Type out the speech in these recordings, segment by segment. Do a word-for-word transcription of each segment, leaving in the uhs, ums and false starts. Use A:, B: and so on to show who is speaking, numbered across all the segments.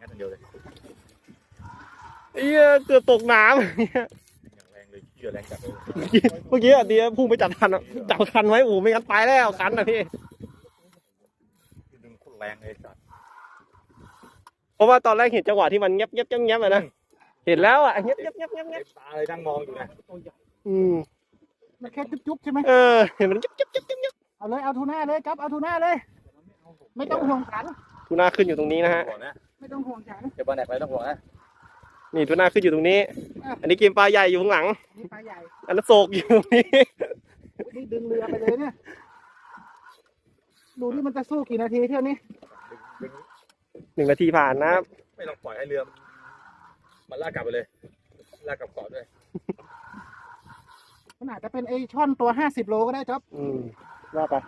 A: ค่ตัวเดียวเลย
B: เอี้ยเกือบตกน้ำ
A: อย่างแรงเลยเชื่อแรงจัดเลย
B: เมื่อกี้อ่ะดีพุ่งไปจับคันอ่ะจับคันไว้โอ้ไม่งั้นไปแล้วคันนะพี่
A: ดึงคนแรงเลยจัด
B: เพราะว่าตอนแรกเห็นจังหวะที่มันเงียบเงียบเงียบเงียบเลยนะเห็นแล้วอ่ะเงียบเงียบเงียบเงียบเงียบ
A: ตาเลยนั่งมองอยู่นะ
B: อืม
C: มันแค่จุ๊บๆใช่ไหม
B: เออเห็นมันจุ๊บจุ๊บจุ๊บจุ๊บ
C: เอาเลยเอาทูน่าเลยครับเอาทูน่าเลยไม่ต้องห่วงฉัน
B: ทูน่าขึ้นอยู่ตรงนี้นะฮะ
C: ไม่ต้องห่วงฉัน
A: เดี๋ยวบอลแหนกไปต้องห่วงนะ
B: นี่ทูน่าขึ้นอยู่ตรงนี้อันนี้เกมปลาใหญ่อยู่ข้างหลัง
C: นี่ปลาใหญ่
B: อันนั้นโศกอยู่ตรงนี้
C: นี่ดึงเรือไปเลยเนี่ยดูนี่มันจะสู้กี่นาทีเที่ยวนี้
B: หนึ่งนาทีผ่านนะ
A: ไม่ต้องปล่อยให้เรือมันลากกลับไปเลยลากกลับเกาะด้วย
C: มันอาจจะเป็นไอช่อนตัวห้าสิบโลก็ได้จ๊อบ
B: อืมว่าไป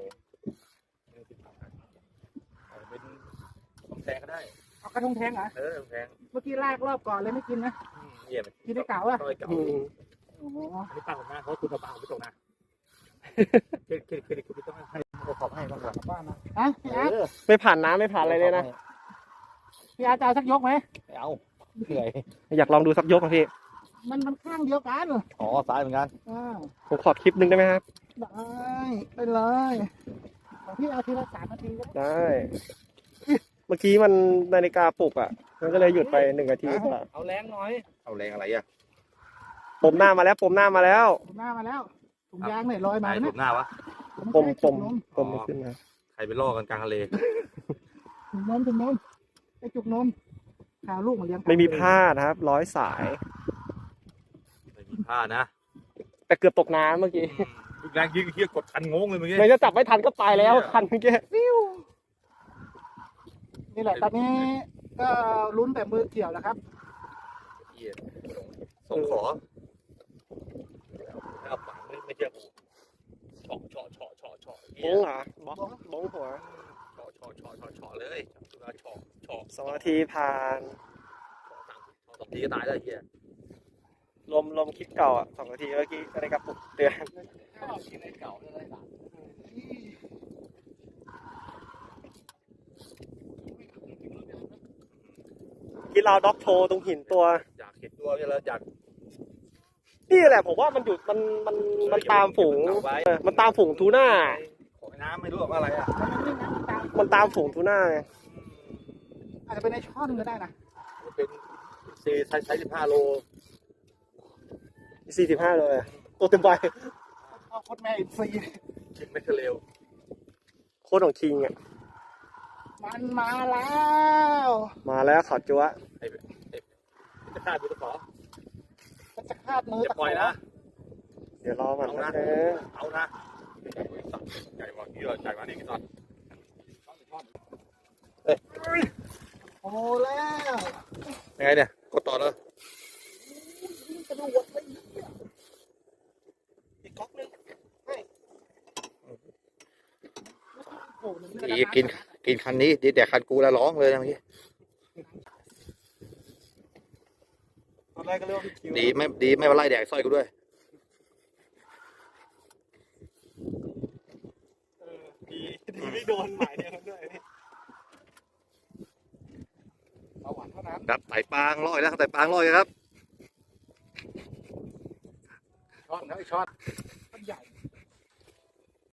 A: เป็นทองแทงก็ได้
C: เอากระทงแทงเหรอ
A: เออทองแทง
C: เมื่อกี้ลากรอบก่อนเลยไม่กินนะ
A: เยี่ยม
C: กินได้เก่าอ่ะ
A: โอ้โหอันนี้ปลาของหน้าเขาคุณเอาปลาของไม่ตกนะเครดิตเครดิตคุณต้องให้ขอบให้บ้างหลังบ้านนะ
C: อ่ะพี่อาร์ต
B: ไม่ผ่านน้ำไม่ผ่านอะไรเลยนะ
C: พี่อาร์ตจะเอาสักยกไหม
A: เอาเหนื่อย
B: อยากลองดูสักยกครับพี่
C: มันมันข้างเดียวกัน
A: อ๋อซ้ายเหมือนกัน
B: ผมขอคลิปนึงได้ไหมครับ
C: ได้ไปเลยของพี่เอาทีละสามนาทีก็
B: ได้เมื่อกี้มันนาฬิกาปลุกอ่ะมันก็เลยหยุดไปหนึ่งนาที
C: เอาแรงหน่อย
A: เอาแรงอะไรอ่ะ
B: ปมหน้ามาแล้วปมหน้ามาแล้ว
C: ปมหน้ามาแล้วถุงยางเนี่ยลอยมา
A: เนี่ยปมหน้าวะ
B: ปมปมปมไม่ขึ้นนะ
A: ใครไปล่อกันกลางทะเล
C: ถุงนมถุงนมไอจุกนมข่าวลูกมาเลี้ยง
B: ไม่มีผ้านะครับร้อยสาย
A: ไม่มีผ้านะ
B: แต่เกือบตกน้ำเมื่อกี้
A: แรงยิงเฮียกดคันงงเลยเมื่อกี้
B: ไม่จะจับไม่ทันก็ไปแล้วคันเมื่อกี้
C: นี่แหละตอนนี้ก็ลุ้นแต่มือเกี่ยวแล้วครับ
A: ส่งขอเอาปากไม่ไม่เชื่อกูเฉาะเฉาะเฉาะเฉาะเฉาะ
B: บ้งเหรอบ้งบ้งหัว
A: เฉาะเฉาะเฉาะเฉาะเฉาะเลยเฉาะเฉาะเฉาะ
B: สองนาทีผ่าน
A: สองนาทีก็ตายแล้วเฮีย
B: ลมลมคลิปเก่าอ่ะสองนาทีเมื่อกี้อะไรกับปลุกเตือน
A: คลิปเก่าเลย
B: ที่เราด็อกโชว์ตรงหินตัว
A: อยากเห็นตัวนี่แล้วอยาก
B: นี่แหละผมว่ามันอยู่มันมันมันตามฝูงมันตามฝูงทูน่า
A: ของน้ำไม่รู้ว่าอะไรอ่ะ
B: มันตามฝูงทูน่าไง
C: อาจจะเป็นไอช่อนก็ได้นะ
A: เป็นซีใช้ใช้สิบห้าโล
B: สี่สิบห้าเลยตัวเต็มใบ
C: เอาโคตรแม่อินซี
A: คิงไม่เร็ว
B: โคตรของคิงอ่ะ
C: มันมาแล้ว
B: มาแล้วขอจั๊ว
A: ไอ้ไอ้จะคาดมือตะขอ
C: จะคาดมือ
A: จะปล่อยนะ
B: เดี๋ยวรอมัน
A: นะเอานะใหญ่กว่านี้เลยใหญ่กว่านี้กี่ตอนเฮ้ย
C: โอ้แล้ว
A: ยังไงเนี่ยกดต่อเลย
C: กระโดดไปอีกก๊อกนึง
A: อีกินกินคันนี้ดีแต่คันกูแล้วร้องเลยนะเมื่อกี้
B: ตอนแรกก็เรียกว่า
A: ดีไม่ดีไม่มาไล่แดกสร้อยกูด้วย
B: ดีดีไม่โดนหมายเดียวด้วย
C: เอาหวานเท่านั้น
A: ครับไต่ปางลอยแล้วไต่ปางลอยครับ
C: ช็อตนะไอช็อต